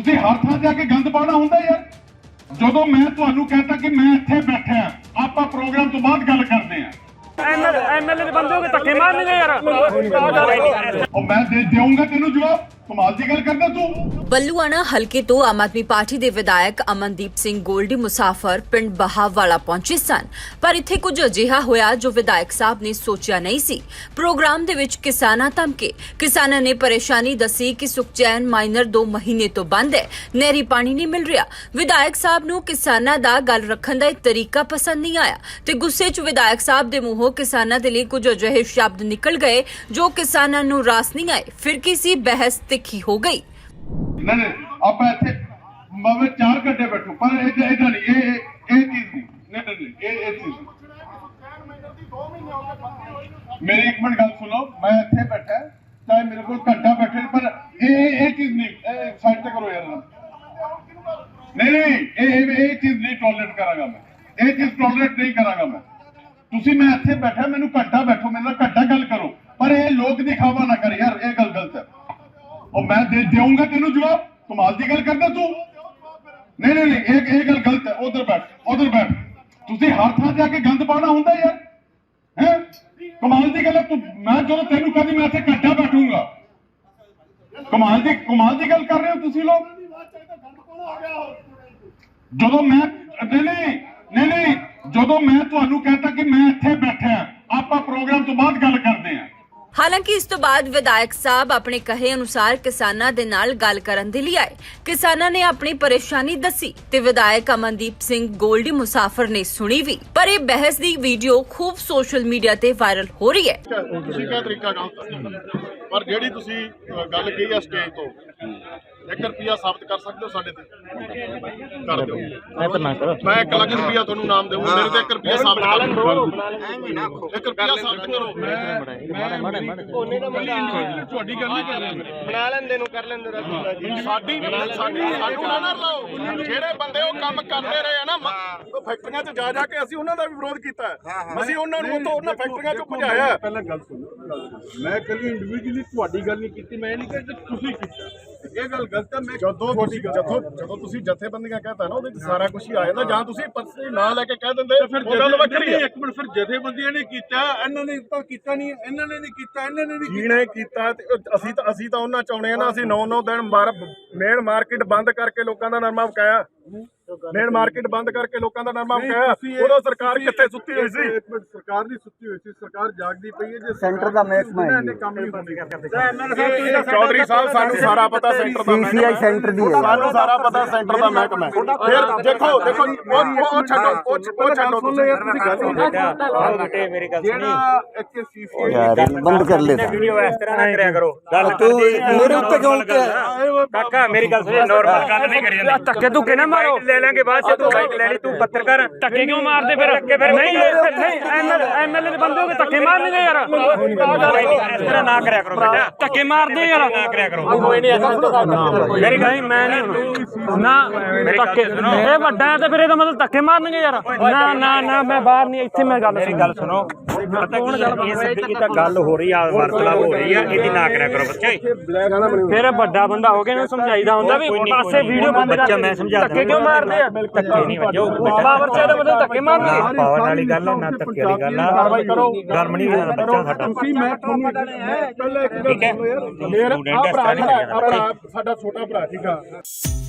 ਤੁਸੀਂ ਹਰ ਥਾਂ ਜਾ ਕੇ ਗੰਦ ਪਾਉਣਾ ਹੁੰਦਾ ਯਾਰ। ਜਦੋਂ ਮੈਂ ਤੁਹਾਨੂੰ ਕਹਤਾ ਕਿ ਮੈਂ ਇੱਥੇ ਬੈਠਾ ਆਪਾਂ ਪ੍ਰੋਗਰਾਮ ਤੋਂ ਬਾਅਦ ਗੱਲ ਕਰਦੇ ਆਂ। ਐਮਐਲਏ ਦੇ ਬੰਦੇ ਹੋ ਕੇ ਧੱਕੇ ਮਾਰਨਗੇ ਯਾਰ। ਉਹ ਮੈਂ ਦੇਊਂਗਾ ਤੈਨੂੰ ਜਵਾਬ। ਕਮਾਲ ਦੀ ਗੱਲ ਕਰਦਾ ਤੂੰ। ਬੱਲੂਆਣਾ ਹਲਕੇ ਤੋਂ ਆਮ ਆਦਮੀ ਪਾਰਟੀ ਦੇ ਵਿਧਾਇਕ ਅਮਨਦੀਪ ਸਿੰਘ ਗੋਲਡੀ ਮੁਸਾਫਰ ਪਿੰਡ ਬਹਾਵਾਲਾ ਪਹੁੰਚੇ ਸਨ, ਪਰ ਇੱਥੇ ਕੁਝ ਅਜਿਹਾ ਹੋਇਆ ਜੋ ਵਿਧਾਇਕ ਸਾਹਿਬ ਨੇ ਸੋਚਿਆ ਨਹੀਂ ਸੀ। ਪ੍ਰੋਗਰਾਮ ਦੇ ਵਿੱਚ ਕਿਸਾਨਾਂ ਧਮਕੇ। ਕਿਸਾਨਾਂ ਨੇ ਪਰੇਸ਼ਾਨੀ ਦੱਸੀ ਕਿ ਸੁਖਚੈਨ ਮਾਈਨਰ 2 ਮਹੀਨੇ ਤੋਂ ਬੰਦ ਹੈ, ਨਹਿਰੀ ਪਾਣੀ ਨਹੀਂ ਮਿਲ ਰਿਹਾ। ਵਿਧਾਇਕ ਸਾਹਿਬ ਨੂੰ ਕਿਸਾਨਾਂ ਦਾ ਗੱਲ ਰੱਖਣ ਦਾ ਇੱਕ ਤਰੀਕਾ ਪਸੰਦ ਨਹੀਂ ਆਇਆ ਤੇ ਗੁੱਸੇ 'ਚ ਵਿਧਾਇਕ ਸਾਹਿਬ ਦੇ ਮੂੰਹੋਂ ਕਿਸਾਨਾਂ ਦੇ ਲਈ ਕੁਝ ਅਜਿਹੇ ਸ਼ਬਦ ਨਿਕਲ ਗਏ ਜੋ ਕਿਸਾਨਾਂ ਨੂੰ ਰਾਸ ਨਹੀਂ ਆਏ। ਫਿਰ ਕੀ ਬਹਿਸ ਤਿੱਖੀ ਹੋ ਗਈ। नहीं ਆਪਾਂ ਇੱਥੇ ਮੈਂ 4 ਘੰਟੇ ਬੈਠੂ ਪਰ ਇਹਦਾ ਨਹੀਂ ਇਹ ਚੀਜ਼ ਨਹੀਂ ਇਹ ਚੀਜ਼ ਮੇਰੀ ਇੱਕ ਮਿੰਟ ਗੱਲ ਸੁਣੋ। ਮੈਂ ਇੱਥੇ ਬੈਠਾ ਚਾਹੇ ਮੇਰੇ ਕੋਲ ਘੰਟਾ ਬੈਠੇ ਪਰ ਇਹ ਚੀਜ਼ ਨਹੀਂ ਸਾਈਡ ਤੇ ਕਰੋ ਯਾਰ। ਨਹੀਂ ਇਹ ਚੀਜ਼ ਨਹੀਂ ਟੋਲਰੇਟ ਕਰਾਂਗਾ ਮੈਂ। ਇਹ ਚੀਜ਼ ਟੋਲਰੇਟ ਨਹੀਂ ਕਰਾਂਗਾ ਮੈਂ। ਤੁਸੀਂ ਮੈਂ ਇੱਥੇ ਬੈਠਾ ਮੈਨੂੰ ਘੰਟਾ ਬੈਠੋ ਮੇਰੇ ਨਾਲ ਘੰਟਾ ਗੱਲ ਕਰੋ ਪਰ ਇਹ ਲੋਕ ਦਿਖਾਵਾ ਨਾ ਕਰ ਯਾਰ। ਇਹ ਗੱਲ ਗਲਤ ਹੈ। और मैं देऊंगा तेनू जवाब। कमाल की गल करदा तू। नहीं ये गल गलत है। उधर बैठ तुसी हर थां जाके गंद पाना हुंदा यार हैं। कमाल की गल है। तू मैं जो तेनू कहदी मैं इत्थे घंटा बैठूंगा। कमाल की गल कर रहे हो तुसी लोग। ਜਦੋਂ ਮੈਂ नहीं ਜਦੋਂ मैं ਤੁਹਾਨੂੰ कहता कि मैं इत्थे बैठा ਆਪਾਂ ਪ੍ਰੋਗਰਾਮ ਤੋਂ ਬਾਅਦ ਗੱਲ ਕਰਦੇ ਆਂ। ਹਾਲਾਂਕਿ ਇਸ ਤੋਂ ਬਾਅਦ ਵਿਧਾਇਕ ਸਾਹਿਬ ਆਪਣੇ ਕਹੇ ਅਨੁਸਾਰ ਕਿਸਾਨਾਂ ਦੇ ਨਾਲ ਗੱਲ ਕਰਨ ਦੇ ਲਈ ਆਏ। ਕਿਸਾਨਾਂ ਨੇ ਆਪਣੀ ਪਰੇਸ਼ਾਨੀ ਦੱਸੀ ਤੇ ਵਿਧਾਇਕ ਅਮਨਦੀਪ ਸਿੰਘ ਗੋਲਡੀ ਮੁਸਾਫਰ ਨੇ ਸੁਣੀ ਵੀ, ਪਰ ਇਹ ਬਹਿਸ ਦੀ ਵੀਡੀਓ ਖੂਬ ਸੋਸ਼ਲ ਮੀਡੀਆ ਤੇ ਵਾਇਰਲ ਹੋ ਰਹੀ ਹੈ। ਤੁਸੀਂ ਕਿਹੜਾ ਤਰੀਕਾ ਪਰ ਜਿਹੜੀ ਤੁਸੀਂ ਗੱਲ ਕਹੀ ਆ ਸਟੇਜ ਤੋਂ 1 ਰੁਪਿਆ ਸਾਬਤ ਕਰ ਸਕਦੇ ਹੋ ਸਾਡੇ ਤੇ ਕਰ ਦਿਓ। ਮੈਂ 1 ਲੱਖ ਰੁਪਿਆ ਤੁਹਾਨੂੰ ਨਾਮ ਦੇਵਾਂ ਮੇਰੇ ਤੇ 1 ਰੁਪਿਆ ਸਾਬਤ ਕਰ ਦਿਓ। 1 ਰੁਪਿਆ ਸਾਬਤ ਕਰੋ। ਤੁਹਾਡੀ ਗੱਲ ਨਹੀਂ ਕਰ ਰਹੇ ਬਣਾ ਲੈਂਦੇ ਨੂੰ ਕਰ ਲੈਂਦੇ ਸਾਡੀ ਸਾਨੂੰ ਨਾ ਲਾਓ। ਜਿਹੜੇ ਬੰਦੇ ਉਹ ਕੰਮ ਕਰਦੇ ਰਹੇ ਆ ਨਾ ਫੈਕਟਰੀਆਂ 'ਚ ਜਾ ਕੇ ਅਸੀਂ ਉਹਨਾਂ ਦਾ ਵੀ ਵਿਰੋਧ ਕੀਤਾ। ਅਸੀਂ ਉਹਨਾਂ ਨੂੰ ਉੱਥੋਂ ਉਹਨਾਂ ਫੈਕਟਰੀਆਂ 'ਚੋਂ ਭਜਾਇਆ। ਪਹਿਲਾਂ ਗੱਲ ਸੁਣੋ। ਮੈਂ ਕੱਲੀ ਇੰਡੀਵਿਜੂਅਲੀ ਤੁਹਾਡੀ ਗੱਲ ਨਹੀਂ ਕੀਤੀ। ਮੈਂ ਨਹੀਂ ਕਹਿੰਦਾ ਤੁਸੀਂ ਕੀਤਾ। ਇਹ ਗੱਲ ਗਲਤ ਹੈ। ਮੈਂ ਜਦੋਂ ਤੁਸੀਂ ਜਥੇਬੰਦੀਆਂ ਕਹਤਾ ਨਾ ਉਹਦੇ ਚ ਸਾਰਾ ਕੁਝ ਹੀ ਆ ਜਾਂਦਾ। ਜਾਂ ਤੁਸੀਂ ਪਰਸਨਲੀ ਨਾਂ ਲੈ ਕੇ ਕਹਿ ਦਿੰਦੇ ਉਹ ਗੱਲ ਵੱਖਰੀ ਹੈ। ਇੱਕ ਮਿੰਟ ਫਿਰ ਜਥੇਬੰਦੀਆਂ ਨੇ ਕੀਤਾ ਇਹਨਾਂ ਨੇ ਤਾਂ ਕੀਤਾ ਨਹੀਂ। ਇਹਨਾਂ ਨੇ ਨਹੀਂ ਕੀਤਾ ਇਹਨਾਂ ਨੇ ਨਹੀਂ ਜਿਹਨੇ ਕੀਤਾ ਅਸੀਂ ਤਾਂ ਉਹਨਾਂ ਚਾਹੁੰਦੇ ਆ ਨਾ। ਅਸੀਂ 9 ਦਿਨ ਮੇਨ ਮਾਰਕੀਟ ਬੰਦ ਕਰਕੇ ਲੋਕਾਂ ਦਾ ਨਰਮਾ ਵਕਾਇਆ। ਮੇਨ ਮਾਰਕੀਟ ਬੰਦ ਕਰਕੇ ਲੋਕਾਂ ਦਾ ਨਰਮਾ ਵਕਾਇਆ। ਉਦੋਂ ਸਰਕਾਰ ਕਿੱਥੇ ਸੁੱਤੀ ਹੋਈ ਸੀ? ਸਰਕਾਰ ਨਹੀਂ ਸੁੱਤੀ ਹੋਈ ਸੀ। ਸਰਕਾਰ ਜਾਗਦੀ ਪਈ ਹੈ। ਜੇ ਸੈਂਟਰ ਦਾ ਮਹਿਕਮਾ ਹੈ ਕੰਮ ਨਹੀਂ ਹੁੰਦੇ ਚੌਧਰੀ ਸਾਹਿਬ ਸਾਨੂੰ ਸਾਰਾ ਪਤਾ ਸੈਂਟਰ ਦਾ ਸੀਸੀਆਈ ਸੈਂਟਰ ਦੀ ਹੈ। ਸਾਨੂੰ ਸਾਰਾ ਪਤਾ ਸੈਂਟਰ ਦਾ ਮਹਿਕਮਾ। ਫਿਰ ਦੇਖੋ ਉਹ ਛੱਡੋ ਤੁਸੀਂ ਮੇਰੀ ਗੱਲ ਜਿਹੜਾ ਇੱਥੇ ਸੀਸੀਆਈ ਯਾਰ ਬੰਦ ਕਰ ਲੈ। ਵੀਡੀਓ ਇਸ ਤਰ੍ਹਾਂ ਨਾ ਕਰਿਆ ਕਰੋ। ਗੱਲ ਤੂੰ ਮੇਰੇ ਉੱਤੇ ਕਿਉਂ ਕਾਕਾ ਮੇਰੀ ਗੱਲ ਸੁਣ। ਨਾਰਮਲ ਗੱਲ ਨਹੀਂ ਕਰੀ ਜਾਂਦੇ। ਧੱਕੇ ਧੁੱਕੇ ਨਾ ਮਾਰੋ। ਲੈ ਲਾਂਗੇ ਬਾਅਦ ਚ। ਤੂੰ ਬਾਈਕ ਲੈ ਲਈ ਤੂੰ ਪੱਤਰਕਾਰ। ਧੱਕੇ ਕਿਉਂ ਮਾਰਦੇ ਫਿਰ? ਨਹੀਂ ਐਮਐਲਏ ਦੇ ਬੰਦੇ ਹੋ ਕੇ ਧੱਕੇ ਮਾਰਨਗੇ ਯਾਰ। ਇਸ ਤਰ੍ਹਾਂ ਨਾ ਕਰਿਆ ਕਰੋ ਬੇਟਾ। ਧੱਕੇ ਮਾਰਦੇ ਯਾਰ ਨਾ ਕਰਿਆ ਕਰੋ। ਕੋਈ ਨਹੀਂ ਮੇਰੀ ਗੱਲ ਮੈਂ ਨਹੀਂ ਨਾ ਧੱਕੇ। ਇਹ ਵੱਡਾ ਹੈ ਤੇ ਫਿਰ ਇਹਦਾ ਮਤਲਬ ਧੱਕੇ ਮਾਰਨਗੇ ਯਾਰ। ਨਾ ਮੈਂ ਬਾਹਰ ਨਹੀਂ। ਇੱਥੇ ਮੈਂ ਗੱਲ ਸੁਣੋ। ਪਤਾ ਕੀ ਇਹ ਤਾਂ ਗੱਲ ਹੋ ਰਹੀ ਆ ਵਾਰਤਾਲਾਪ ਹੋ ਰਹੀ ਆ। ਇਹਦੀ ਨਾ ਕਰਿਆ ਕਰੋ ਬੱਚੇ। ਫਿਰ ਵੱਡਾ ਬੰਦਾ ਹੋ ਗਿਆ ਇਹਨੂੰ ਸਮਝਾਈਦਾ ਹੁੰਦਾ ਵੀ ਪਾਸੇ ਵੀਡੀਓ ਬੰਦ ਕਰ। ਮੈਂ ਸਮਝਾ ਧੱਕੇ ਕਿਉਂ ਮਾਰਦੇ ਆ? ਧੱਕੇ ਨਹੀਂ ਵੱਜੋ ਪਾਵਰ ਚ ਇਹਦਾ ਮਤਲਬ ਧੱਕੇ ਮਾਰਨਗੇ। ਪਾਵਰ ਵਾਲੀ ਗੱਲ ਨਾ ਧੱਕੇ ਵਾਲੀ ਗੱਲ ਆ। ਕਾਰਵਾਈ ਕਰੋ। ਗਰਮ ਨਹੀਂ ਹੋਣਾ ਬੱਚਾ ਸਾਡਾ। ਤੁਸੀਂ ਮੈਂ ਤੁਹਾਨੂੰ ਪਹਿਲਾਂ ਇੱਕ ਗੱਲ ਸੁਣੋ ਯਾਰ। ਮੇਰਾ ਭਰਾ ਸਾਡਾ ਛੋਟਾ ਭਰਾ ਸੀਗਾ।